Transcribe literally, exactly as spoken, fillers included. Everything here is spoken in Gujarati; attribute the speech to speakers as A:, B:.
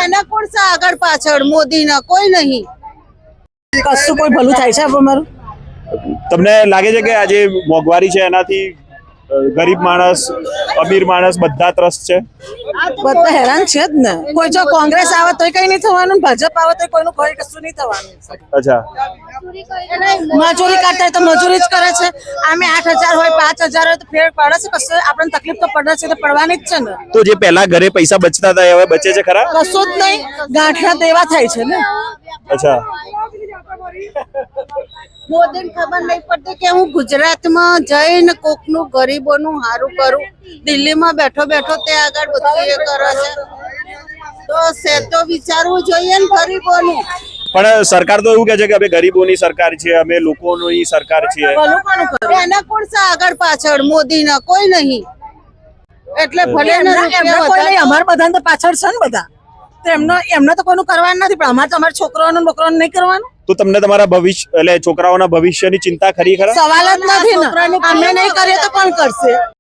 A: એના કોણ છે આગળ પાછળ? મોદીના કોઈ નહીં.
B: કશું કોઈ ભલું થાય છે અમારું?
C: તમને લાગે છે કે આજે મોંઘવારી છે એનાથી ગરીબ માણસ અમીર માણસ બધા ત્રસ્ત છે?
B: બધા હેરાન છે જ ને. કોઈ જો કોંગ્રેસ આવે તોય કઈ નહીં થવાનું, ભાજપ આવે તો કોઈનું કોઈ કશું નહીં થવાનું.
C: અચ્છા,
B: મજૂરી કરતા તો મજૂરી જ કરે છે. આમે આઠ હજાર હોય પાંચ હજાર હોય તો ફેર પડે છે. કશું આપણને તકલીફ તો પડે છે, તો પડવાની જ છે ને.
C: તો જે પહેલા ઘરે પૈસા બચતા હતા એ હવે બચે છે ખરા?
B: કશું જ નહીં, ગાંઠના દેવા થાય છે ને.
C: અચ્છા,
A: મોદીને ખબર નહીં પડતી કે હું ગુજરાતમાં જઈને કોકનું ગરીબોનું સારું કરું. દિલ્હીમાં બેઠો બેઠો તે આગળ બધું એ કરે છે. તો છે તો વિચારવું જોઈએ ને ગરીબોનું.
C: પણ સરકાર તો એવું કહે છે કે અમે ગરીબોની સરકાર છે, અમે લોકોની સરકાર છીએ.
B: ભલું કોનું કરે?
A: એના કોણ છે આગળ પાછળ? મોદીના કોઈ નહીં. એટલે ભલે ને
B: એમના-
A: રૂપિયા
B: એમના કોઈ નહીં,
A: વધારે-
B: અમારા બધાને તો પાછળ છે ને બધા. તો એમનો એમને તો કોઈનું કરવાનું નથી, પણ અમારે તો અમારા છોકરાઓનું છોકરાઓનું નહીં કરવાનું.
C: તો તમને તમારા ભવિષ્ય એટલે છોકરાઓના ભવિષ્યની ચિંતા ખરી ખરા?
B: સવાલ જ નથી ને. અમે નહીં કરીએ તો કોણ કરશે?